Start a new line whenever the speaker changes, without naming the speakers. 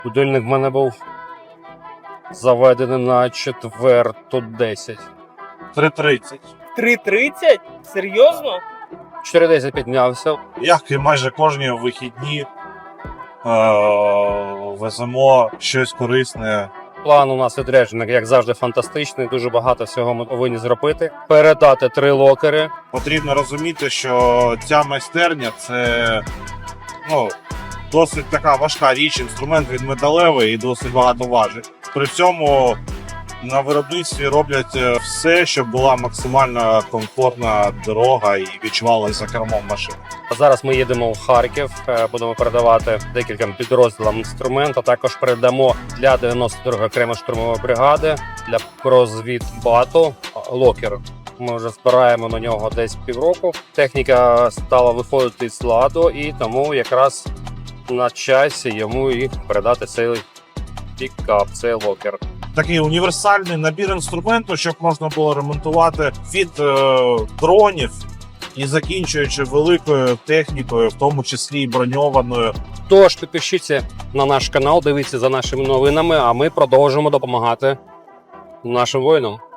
Будильник в мене був заведений на 4:10.
3:30.
3:30? Серйозно?
4:10 піднявся.
Як і майже кожні вихідні веземо щось корисне.
План у нас відряджений, як завжди, фантастичний. Дуже багато всього ми повинні зробити. Передати 3 локери.
Потрібно розуміти, що ця майстерня це досить така важка річ, інструмент від металевий і досить багато важить. При цьому на виробництві роблять все, щоб була максимально комфортна дорога і відчувалася за кермом машини.
Зараз ми їдемо в Харків, будемо передавати декільком підрозділам інструмент, а також передамо для 92-ї окремої штурмової бригади для розвідбату локер. Ми вже збираємо на нього десь півроку. Техніка стала виходити з ладу, і тому якраз на часі йому і передати цей пікап, цей локер.
Такий універсальний набір інструменту, щоб можна було ремонтувати від дронів і закінчуючи великою технікою, в тому числі і броньованою.
Тож підпишіться на наш канал, дивіться за нашими новинами, а ми продовжимо допомагати нашим воїнам.